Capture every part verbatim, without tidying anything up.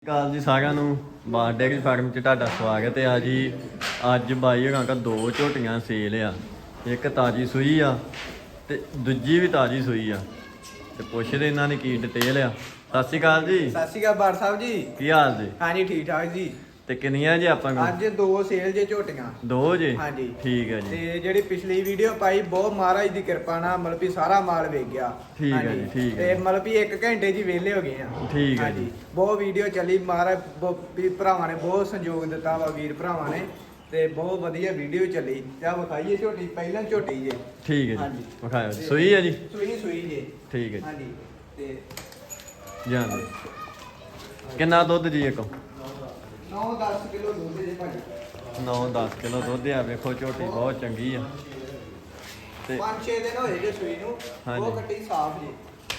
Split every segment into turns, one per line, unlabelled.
ਕਾਲ ਜੀ ਸਾਰਿਆਂ ਨੂੰ ਬਾਰ ਡੇਅਰੀ ਫਾਰਮ 'ਚ ਤੁਹਾਡਾ ਸਵਾਗਤ ਹੈ। ਆ ਜੀ ਅੱਜ ਬਾਈ ਹੋਰਾਂ ਕੋਲ ਦੋ ਝੋਟੀਆਂ ਸੇਲ ਆ। ਇੱਕ ਤਾਜੀ ਸੂਈ ਆ ਤੇ ਦੂਜੀ ਵੀ ਤਾਜੀ ਸੂਈ ਆ ਤੇ ਪੁੱਛਦੇ ਇਹਨਾਂ ਨੇ ਕੀ ਡਿਟੇਲ ਆ। ਸਤਿ ਸ਼੍ਰੀ ਅਕਾਲ ਜੀ।
ਸਤਿ ਸ਼੍ਰੀ ਅਕਾਲ ਬਾਰ ਸਾਹਿਬ ਜੀ।
ਕੀ ਹਾਲ ਜੀ?
ਹਾਂਜੀ ਠੀਕ ਠਾਕ ਜੀ।
ਤੇ ਕਿੰਨੀਆਂ ਜੀ ਆਪਾਂ ਕੋਲ?
ਅੱਜ ਦੋ ਸੇਲ ਜੇ ਝੋਟੀਆਂ।
ਦੋ ਜੀ?
ਹਾਂਜੀ
ਠੀਕ ਹੈ ਜੀ।
ਤੇ ਜਿਹੜੀ ਪਿਛਲੀ ਵੀਡੀਓ ਪਾਈ ਬਹੁਤ ਮਹਾਰਾਜ ਦੀ ਕਿਰਪਾ ਨਾਲ ਮਤਲਬ ਵੀ ਸਾਰਾ ਮਾਲ ਵੇਚ ਗਿਆ।
ਠੀਕ ਹੈ ਜੀ, ਠੀਕ ਹੈ।
ਤੇ ਮਤਲਬ ਵੀ ਇੱਕ ਘੰਟੇ ਜੀ ਵਿਹਲੇ ਹੋ ਗਏ ਆ।
ਠੀਕ ਹੈ
ਹਾਂਜੀ
ਜੀ।
ਬਹੁਤ ਵੀਡੀਓ ਚੱਲੀ, ਮਹਾਰਾਜ ਵੀ ਭਰਾਵਾਂ ਨੇ ਬਹੁਤ ਸਹਿਯੋਗ ਦਿੱਤਾ ਵਾ, ਵੀਰ ਭਰਾਵਾਂ ਨੇ, ਤੇ ਬਹੁਤ ਵਧੀਆ ਵੀਡੀਓ ਚੱਲੀ। ਤੇ ਵਿਖਾਈਏ ਝੋਟੀ, ਪਹਿਲਾਂ ਝੋਟੀ ਜੇ।
ਠੀਕ ਹੈ ਜੀ,
ਹਾਂਜੀ
ਵਿਖਾਇਓ ਜੀ। ਸੂਈ ਹੈ ਜੀ?
ਸੂਈ ਸੂਈ ਜੇ।
ਠੀਕ ਹੈ ਜੀ।
ਹਾਂਜੀ ਤੇ
ਜਾਣ ਦੇ ਕਿੰਨਾ ਦੁੱਧ ਜੀ ਇੱਕ?
ਨੌ ਦਸ ਕਿਲੋ ਦੁੱਧ ਜੇ ਭਾਜੀ।
ਨੌ ਦਸ ਕਿਲੋ ਦੁੱਧ ਆ। ਵੇਖੋ ਝੋਟੀ ਬਹੁਤ ਚੰਗੀ ਆ ਤੇ
ਪੰਜ ਛੇ ਦਿਨ ਹੋਏ ਜੇ ਸੂਈ ਨੂੰ।
ਹਾਂਜੀ।
ਉਹ ਕੱਟੀ ਸਾਫ ਜੇ।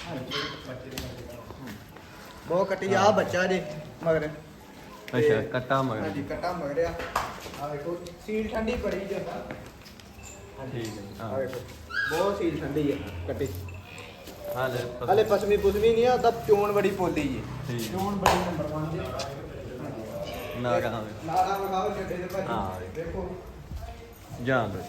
ਬਹੁਤ ਕੱਟੀ ਆ ਬੱਚਾ ਜੇ ਮਗਰ।
ਅੱਛਾ, ਕੱਟਾ ਮਗਰ।
ਹਾਂਜੀ ਕੱਟਾ ਮਗਰ ਆ। ਆ ਵੇਖੋ ਸੀਲ ਠੰਡੀ ਬੜੀ ਜਾਂਦਾ।
ਠੀਕ ਹੈ ਜੀ।
ਆ
ਹਾਂ
ਵੇਖੋ ਬਹੁਤ ਸੀਲ ਠੰਡੀ ਹੈ ਕੱਟੀ।
ਹਾਲੇ
ਹਲੇ ਪਸਮੀ ਪੁਸਮੀ ਨਹੀਂ ਆ, ਤਾਂ ਚੋਣ ਬੜੀ ਪੋਲੀ ਜੀ।
ਠੀਕ।
ਚੋਣ ਬੜੀ ਨੰਬਰ ਇੱਕ ਜੀ।
ਨਾ ਗਾ
ਨਾਲਾ ਵਿਖਾਓ ਛੱਡੇ ਦੇ
ਹਾਂ।
ਭਾਜੀ। ਦੇਖੋ
ਜਾਣ ਦੇ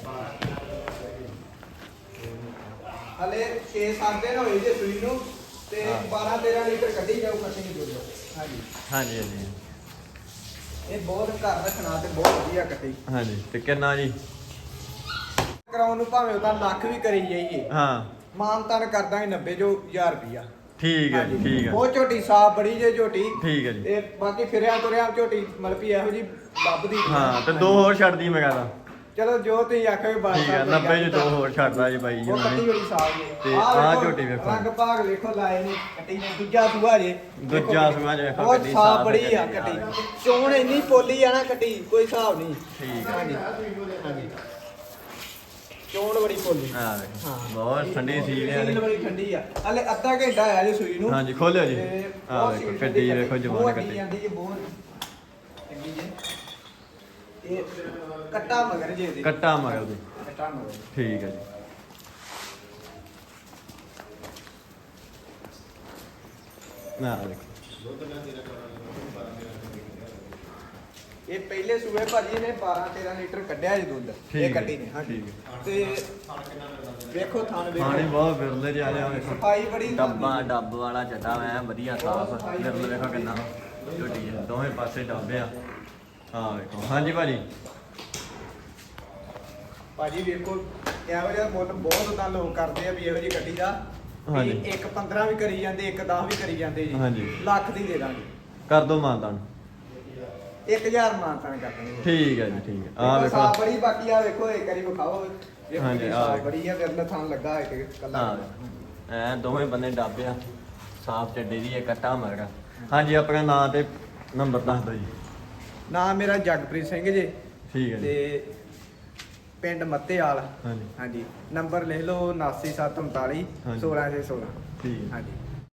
ਹਲੇ ਛੇ ਸੱਤ ਦਿਨ ਹੋਏ ਜੇ ਸੂਈ ਨੂੰ ਤੇ
ਹਾਂ।
ਬਾਰਾਂ ਤੇਰਾਂ ਲੀਟਰ ਕੱਢੀ ਜਾਊ ਕੱਟੀ ਨਹੀਂ ਦੁੱਧ। ਹਾਂਜੀ
ਹਾਂਜੀ ਹਾਂਜੀ
ਇਹ ਬਹੁਤ ਘਰ ਰੱਖਣਾ ਤੇ ਬਹੁਤ ਵਧੀਆ ਕੱਟੀ।
ਹਾਂਜੀ। ਤੇ ਕਿੰਨਾ ਜੀ?
ਕਰਾਉਣ ਨੂੰ ਭਾਵੇਂ ਉਹਦਾ ਲੱਖ ਵੀ ਕਰੀ ਜਾਈਏ,
ਹਾਂ
ਮਾਨ ਤਾਨ ਕਰਦਾਂਗੇ ਨੱਬੇ ਜੋ ਹਜ਼ਾਰ ਰੁਪਿਆ।
ਠੀਕ ਹੈ ਜੀ, ਠੀਕ ਹੈ
ਬਹੁਤ ਝੋਟੀ ਸਾਫ ਬੜੀ ਜੇ ਝੋਟੀ।
ਠੀਕ ਹੈ ਜੀ।
ਤੇ ਬਾਕੀ ਫਿਰਿਆ ਤੁਰਿਆ ਝੋਟੀ ਮਤਲਬ ਵੀ ਇਹੋ ਜੀ ਲੱਭਦੀ।
ਹਾਂ ਤੇ ਦੋ ਹੋਰ ਛੱਡਦੀ ਮੈਂ ਕਹਦਾ।
ਚਲੋ ਜੋ ਤੁਸੀਂ ਆਖੋਗੇ ਬਾਤ।
ਠੀਕ ਹੈ, ਨੱਬੇ ਚ ਦੋ ਹੋਰ ਛੱਡਦਾ ਜੀ ਬਾਈ ਜੀ
ਉਹ ਕੱਟੀ
ਉਹਨੇ।
ਬੜੀ ਸਾਫ ਜੇ।
ਤੇ
ਆਹ
ਆਹ
ਵੇਖੋ,
ਝੋਟੀ ਵੇਖੋ।
ਰੰਗ ਭਾਗ ਵੇਖੋ ਲਾਏ ਨੇ ਕੱਟੀ ਨੇ। ਦੂਜਾ ਸੂਆ ਜੇ।
ਦੂਜਾ ਸੂਆ ਜੇ ਵੇਖੋ
ਬਹੁਤ
ਕੱਟੀ
ਸਾਫ
ਸਾਫ਼
ਬੜੀ ਆ
ਕੱਟੀ।
ਕੱਟੀ। ਚੋਣ ਇੰਨੀ ਪੋਲੀ ਆ ਨਾ ਕੱਟੀ, ਕੋਈ ਹਿਸਾਬ ਨਹੀਂ।
ਠੀਕ ਹੈ।
ਹਾਂਜੀ ਹਾਂਜੀ ਚੋਣ ਬੜੀ ਪੋਲੀ।
ਹਾਂ ਵੇਖੋ
ਹਾਂ।
ਬਹੁਤ ਠੰਡੀ ਸੀਲ ਹੈ
ਸੀਲ ਬੜੀ ਠੰਡੀ ਆ। ਹਲੇ ਅੱਧਾ ਘੰਟਾ ਆਇਆ ਜੇ ਸੂਈ ਨੂੰ।
ਹਾਂਜੀ ਖੋਲਿਓ ਜੀ।
ਤੇ
ਆਹ
ਬਹੁਤ
ਵੇਖੋ
ਸੀਲ
ਕੱਟੀ
ਠੰਡੀ
ਵੇਖੋ ਜਵਾਨ
ਬਹੁਤ
ਕੱਟੀ।
ਜਾਂਦੀ ਹੈ ਬਹੁਤ ਚੰਗੀ ਜੇ। ਇਹ ਕੱਟਾ ਮਗਰ ਜੇ ਇਹਦੇ।
ਕੱਟਾ ਮਗਰ ਦੀ।
ਕੱਟਾ ਮਗਰ।
ਠੀਕ ਹੈ ਜੀ। ਨਾ ਦੇਖੋ
ਇਹ ਪਹਿਲੇ ਸੂਏ ਭਾਜੀ ਨੇ ਬਾਰਾਂ ਤੇਰਾਂ ਲੀਟਰ ਕੱਢਿਆ ਜੀ ਦੁੱਧ।
ਠੀਕ
ਇਹ
ਹੈ,
ਕੱਟੀ ਨੇ। ਹਾਂਜੀ
ਠੀਕ
ਤੇ ਵੇਖੋ ਥਾਣ
ਪਾਣੀ
ਵੇਖੋ।
ਬਹੁਤ ਵਿਰਲੇ ਜਿਹਾ ਆ ਵੇਖੋ।
ਸਫਾਈ ਬੜੀ
ਡੱਬਾ ਡੱਬ ਵਾਲਾ ਚੱਡਾ ਐ ਵਧੀਆ ਸਾਫ। ਵਿਰਲੇ ਵੇਖੋ ਕਿੰਨਾ ਝੋਟੀ ਹੈ। ਦੋਵੇਂ ਪਾਸੇ ਡੱਬੇ ਆ। ਹਾਂ ਵੇਖੋ। ਹਾਂਜੀ ਭਾਜੀ।
ਭਾਜੀ ਵੇਖੋ ਇਹੋ ਜਿਹਾ ਮੁੱਲ ਬਹੁਤ ਤਾਂ ਲੋਕ ਕਰਦੇ ਆ ਵੀ ਇਹੋ ਜਿਹੀ ਗੱਡੀ ਦਾ।
ਹਾਂਜੀ।
ਵੀ ਇੱਕ ਪੰਦਰਾਂ ਵੀ ਕਰੀ ਜਾਂਦੇ, ਇੱਕ ਦਸ ਵੀ ਕਰੀ ਜਾਂਦੇ ਜੀ।
ਹਾਂਜੀ।
ਲੱਖ ਦੀ ਦੇ ਦਾਂਗੇ।
ਕਰ ਦੋ ਮਾਨਤਾਨ।
ਇੱਕ ਹਜ਼ਾਰ ਮਾਨਤਾਨ ਕਰ ਦਾਂਗੇ।
ਠੀਕ ਹੈ ਜੀ, ਠੀਕ ਹੈ। ਆ
ਆਹ
ਵੇਖੋ।
ਸਾਫ ਬੜੀ। ਬਾਕੀ ਆ ਵੇਖੋ ਇੱਕ ਵਾਰੀ ਵਿਖਾਓ। ਵੇਖੋ
ਹਾਂਜੀ,
ਕਿੰਨੀ
ਆਹ
ਸਾਫ
ਵੇਖੋ।
ਬੜੀ ਆ। ਵਿਰਲਾ ਥਾਂ ਲੱਗਾ ਇੱਕ ਕੱਲਾ।
ਹਾਂ ਐ ਦੋਵੇਂ ਬੰਨੇ ਡੱਬੇ ਆ। ਸਾਫ ਚੱਡੇ ਦੀ ਇਹ ਕੱਟਾ ਮਗਰ। ਹਾਂਜੀ ਆਪਣਾ ਨਾਂ ਤੇ ਨੰਬਰ ਦੱਸ ਦਿਓ ਜੀ।
ਨਾਮ ਮੇਰਾ ਜਗਪ੍ਰੀਤ ਸਿੰਘ ਜੀ
ਠੀਕ ਹੈ ਜੀ।
ਤੇ ਪਿੰਡ ਮੱਤੇਵਾਲ।
ਹਾਂਜੀ
ਹਾਂਜੀ ਨੰਬਰ ਲਿਖ ਲਓ ਉਨਾਸੀ ਸੱਤ ਉਨਤਾਲੀ
ਹਾਂਜੀ।
ਸੋਲਾਂ ਛੇ ਸੋਲਾਂ।
ਠੀਕ ਹੈ।
ਹਾਂਜੀ।